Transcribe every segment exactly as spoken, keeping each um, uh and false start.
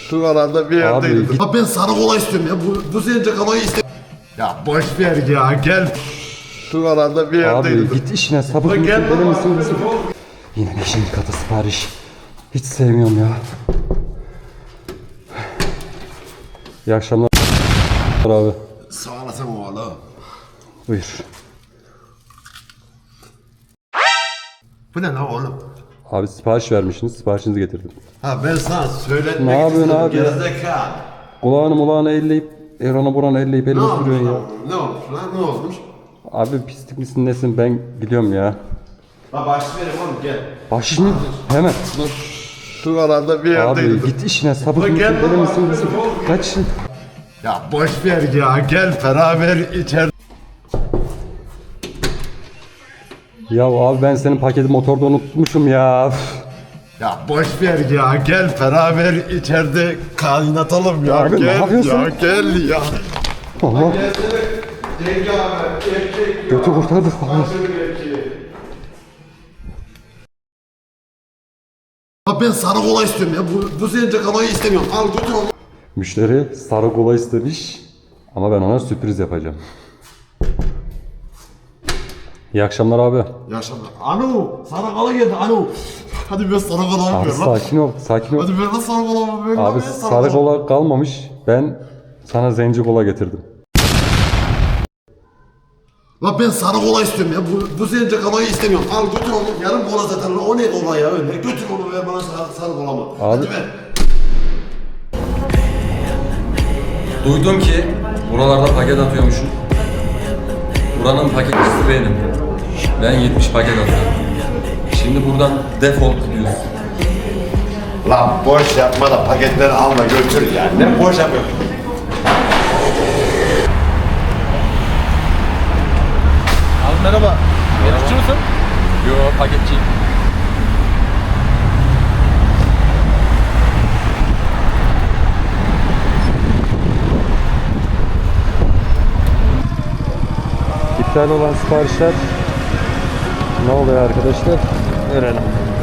Şuralarda bir yerdeydi. Abi, Ha ben sarı kola istiyorum ya. Bu, bu sence kolayı istemiyorum. Ya boş ver ya gel. Şuralarda bir yerdeydi. Abi git işine, sabır mısın, Gel deli baba. misin misin? Yine beşinci kata sipariş. Hiç sevmiyorum ya. İyi akşamlar abi. Sağ olasın oğlum. Buyur. Bu ne lan oğlum? Abi sipariş vermişsiniz, siparişinizi getirdim. Ha ben sana söyletmek Ne yapıyorsun istedim, abi ya? gerizekalı. Kulağını mulağını elleyip, Erhan'a buranı elleyip Ne elime olmuş sürüyorsun ya. lan? Ne olmuş lan? Ne olmuş? Abi pislik misin nesin, ben gidiyorum ya. Ha baş verim oğlum gel. Baş mı? Hemen. Şuralarda bir yerdeydi. Abi git işine, sabır Bak mısın, gel deli baba. misin misin? Kaç. Ya boş ver ya gel beraber içer. Ya abi ben senin paketi motorda unutmuşum ya. Ya boş ver ya gel beraber içeride kaynatalım ya. Abi, ne gel yapıyorsun? ya gel ya. Allah. Gelsene Cengi abi erkek Götü kurtardık falan. Ha ben sarı kola istiyorum ya. Bu, bu sence kolayı istemiyorum. Al götür onu. Müşteri sarı kola istemiş ama ben ona sürpriz yapacağım. İyi akşamlar abi. Yaşa. Anu sarı kola geldi Anu. Hadi ben sarı kola Abi yapıyorum lan. sakin ol, sakin ol. Hadi ben de sarı kola yapıyorum. Abi lan, ben sarı kola kalmamış. Ben sana zenci kola getirdim. La ben sarı kola istiyorum ya. Bu, bu sence kolayı istemiyorum. Al götür onu. Yarım kola zaten. O ne kola ya öyle. Götür onu ver bana sarı, sarı kola mı? Abi- Hadi ver. Duydum ki buralarda paket atıyormuşum. Buranın paketçisi benim. Ben yetmiş paket atıyorum. Şimdi buradan defol gidiyorsun. Lan boş yapma da paketleri alma götür ya. Ne boş yapıyorsun? Abi merhaba. Yetişçi misin? Yo, paketçiyim. İptal olan siparişler ne oluyor arkadaşlar? Öğrenelim.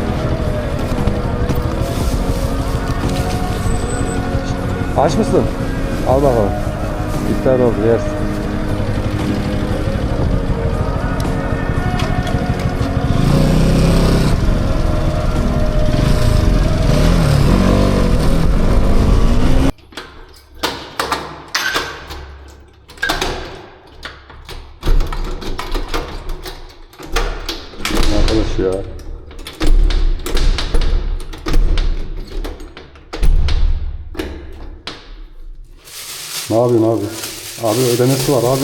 Aç mısın? Al bakalım. İptal oldu, yersin. Arkadaş ya. Ne yapıyorsun abi? Abi ödemesi var abi.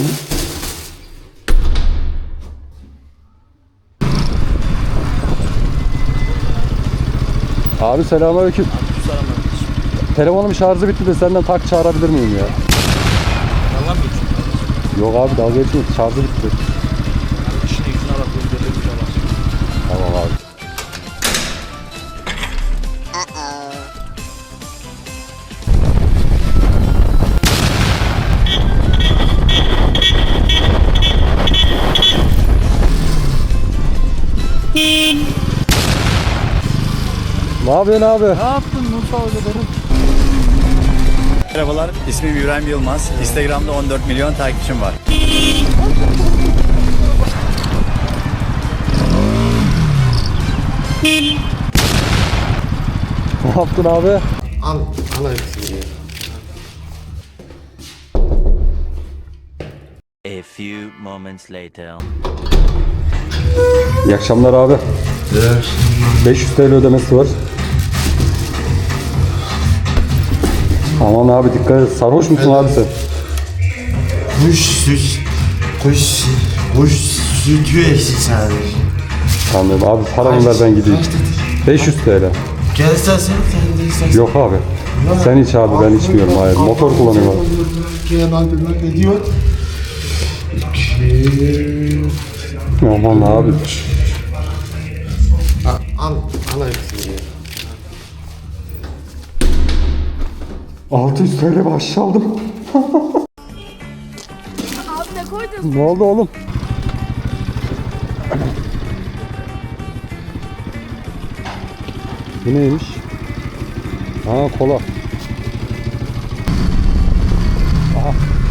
Abi selamünaleyküm. Telefonum şarjı bitti de senden tak çağırabilir miyim ya? Yalan mı geçiyorsun? Yok abi dalga geçme, şarjı bitti. İşine gücüne bak. Gözlerine gücüne bak. Tamam abi. Ne yapıyorsun abi? Ne yaptın Musa öyle benim? Merhabalar, ismim İbrahim Yılmaz. Instagram'da on dört milyon takipçim var. Ne yaptın abi? Al. Al hepsini ya. A few moments later. İyi akşamlar abi. beş yüz T L ödemesi var. Aman abi dikkat et. Sarhoş musun abi sen? Kuş süt. Kuş. Kuş sütü eksik sadece. Anladım abi, paramı ver ben gideyim. beş yüz T L. Gel istersen sen de istersen. Yok abi. Sen iç abi, ben içmiyorum. Hayır, motor kullanıyorum abi. Gel abi ne diyor? İki. Aman abi. Al. Al hepsini ya. altı yüz T L bahşiş aldım. Abi ne koydun? Ne oldu oğlum? Bu neymiş? Ha kola.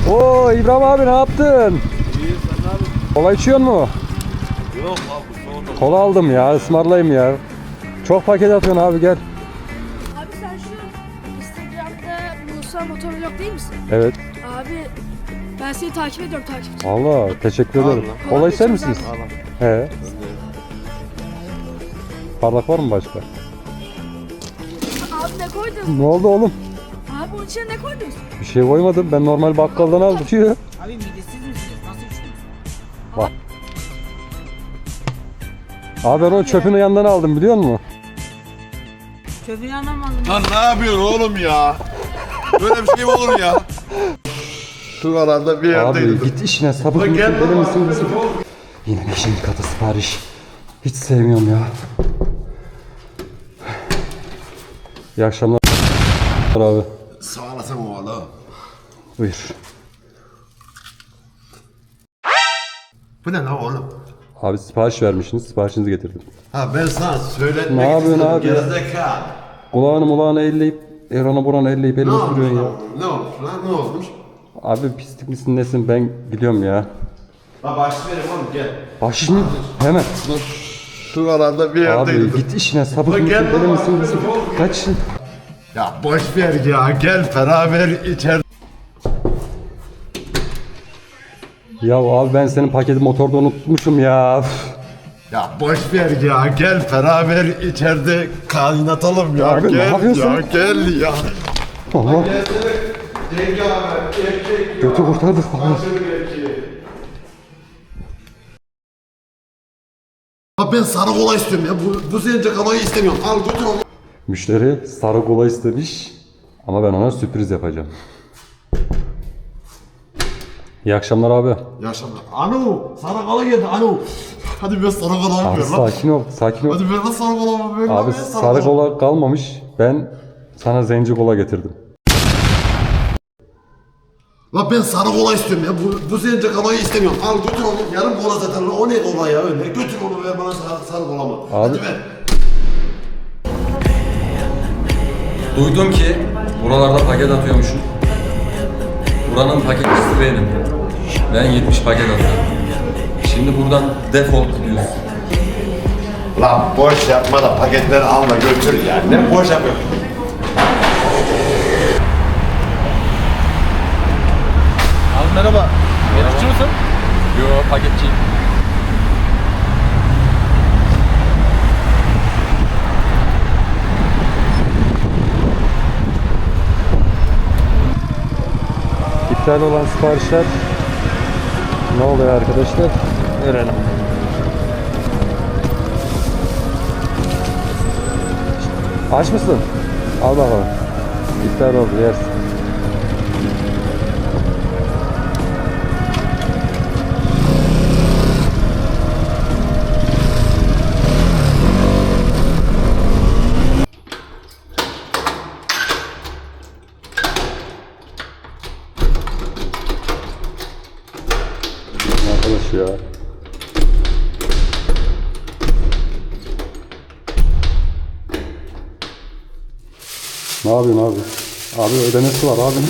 Oo İbrahim abi ne yaptın? İyi sen ne yapıyorsun? Kola içiyor mu? Yok abi sonra. Kola aldım ya, ısmarlayayım ya. Çok paket atıyorsun abi, gel. Abi sen şu Instagram'da Musa Motovlog değil misin? Evet. Abi ben seni takip ediyorum takipçi. Valla teşekkür ederim. Kola Kola ister içiyoruz misiniz? abi. He. Parlak var mı başka? Abi ne koydun? Ne oldu oğlum? Abi bunun içine ne koydun? Bir şey koymadım. Ben normal bakkaldan aldım. Diyor. Abi midesiz misiniz? Nasıl içtiniz? Bak. Abi ben o çöpün yanından aldım, biliyor musun? Çöpün yanından mı aldın? Lan ne yapıyorsun oğlum ya? Böyle bir şey mi olur ya? Şu arada bir Abi yerdeydim. git işine, sapık Lan mısın, gel deli lan. misin, misin? Yine beşinci katı sipariş. Hiç sevmiyorum ya. İyi akşamlar abi. Sağ olasın oğlum. Buyur. Bu ne lan oğlum? Abi sipariş vermişsiniz, siparişinizi getirdim. Ha ben sana söyletmek Ne yapıyorsun istedim, abi ya? gerizekalı. Kulağını mulağını elleyip, Erhan'a buranı elleyip Ne elime olmuş sürüyorsun ya. lan? Ne olmuş lan? Ne olmuş? Abi pislik misin nesin, ben gidiyorum ya. Ha başlı verim oğlum gel. Bahşiş mi? Hemen. Dur. Şu arada bir Abi yerdeydim. git işine, sapık Lan mısın, gel deli lan. misin, misin? Kaç. Ya boş ver ya gel beraber içer. Ya abi ben senin paketi motorda unutmuşum ya. Üf. Ya boş ver ya gel beraber içeride kaynatalım ya. Abi ne gel yapıyorsun? ya gel ya. Allah. Gelsene. Cengi abi erkek Götü kurtardık falan. Ha ben sarı kola istiyorum ya. Bu, bu zence kolayı istemiyorum. Al götür onu. Müşteri sarı kola istemiş ama ben ona sürpriz yapacağım. İyi akşamlar abi. Yaşamlar. Anu sarı kola geldi Anu. Hadi ben sarı kola Abi yapıyorum lan. sakin ol, sakin ol. Hadi ben de sarı kola yapıyorum. Abi lan, ben sarı kola kalmamış. Ben sana zenci kola getirdim. La ben sarı kola istiyorum ya. Bu, bu zence kolayı istemiyorum. Al götür onu. Yarım kola zaten. O ne kola ya öyle. Götür onu ver bana sarı, sarı kola mı? Hadi ver. Duydum ki buralarda paket atıyormuşsun. Buranın paketçisi benim. Ben yetmiş paket atıyorum. Şimdi buradan defol gidiyorsun. La boş yapma da paketleri al da götür ya. Ne boş yapıyorsun? Abi merhaba. Yetişçi misin? Yo, paketçiyim. İptal olan siparişler ne oluyor arkadaşlar? Öğrenelim. Aç mısın? Al bakalım. İptal oldu, yersin. Arkadaş ya. Ne yapıyorsun abi? Abi ödemesi var abinin.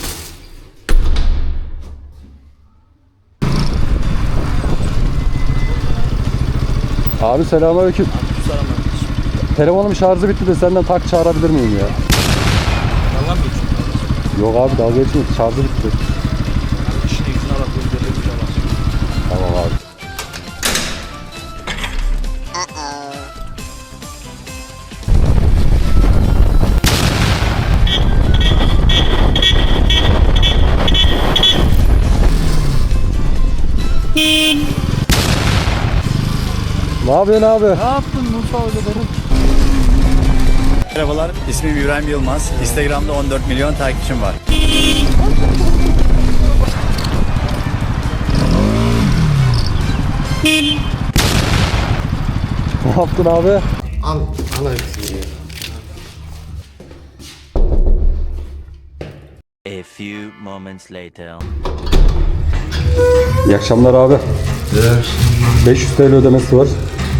Abi selamünaleyküm. Selam kardeşim. Telefonum şarjı bitti de senden tak çağırabilir miyim ya? Yalan mı geçiyorsun kardeşim? Yok abi dalga geçmeyin, şarjı bitti. Yani işine gücüne bak gönderdim bir yalan. Tamam abi. Ne yapıyorsun abi? Ne yaptın Musa öyle benim? Merhabalar, ismim İbrahim Yılmaz. Instagram'da on dört milyon takipçim var. Ne yaptın abi? Al. Al hepsini ya. A few moments later. İyi akşamlar abi. beş yüz T L ödemesi var.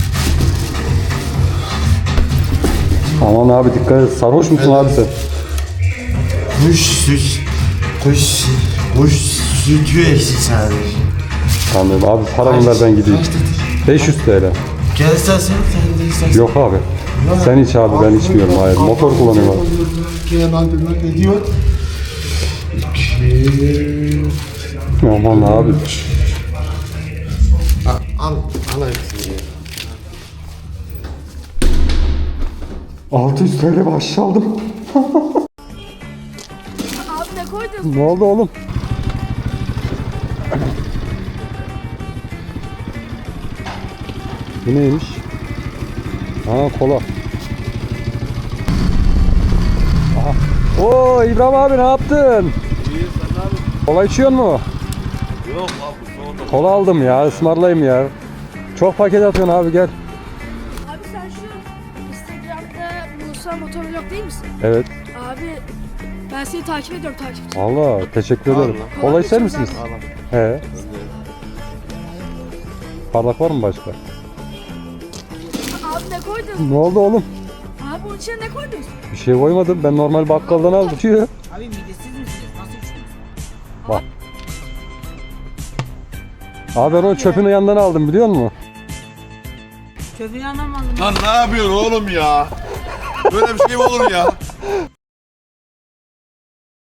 Aman abi dikkat et. Sarhoş musun abi sen? Kuş, kuş, kuş. Bu sütü eksik sadece. Anladım abi, paramı ver ben gideyim. Kaç dedi? beş yüz T L. Gel istersen sen de istersen. Yok abi. Sen iç abi, ben içmiyorum. Hayır, motor kullanıyorum abi. Gel abi bak ne diyor? İki. Aman abi. Al, al hepsini. altı yüz T L bahşiş aldım. Abi ne koydun? Ne oldu oğlum? Bu neymiş? Ha, kola. Aha. Oo İbrahim abi, ne yaptın? İyi sen abi. Kola içiyor mu? Yok abi sonra. Kola aldım ya, ısmarlayayım ya. Çok paket atıyorsun abi, gel. Abi sen şu Instagram'da Musa Motovlog değil misin? Evet. Abi ben seni takip ediyorum takipçi. Valla teşekkür ederim. Kola ister misiniz? He. Parlak var mı başka? Abi ne koydun? Ne oldu oğlum? Abi bunun içine ne koydun? Bir şey koymadım. Ben normal bakkaldan aldım. Diyor. Abi midesiz misiniz? Nasıl içiyorsunuz? Bak. Abi ben o çöpün yanından aldım, biliyor musun? Çöpün yanından mı aldın? Lan ne yapıyorsun oğlum ya? Böyle bir şey mi olur ya?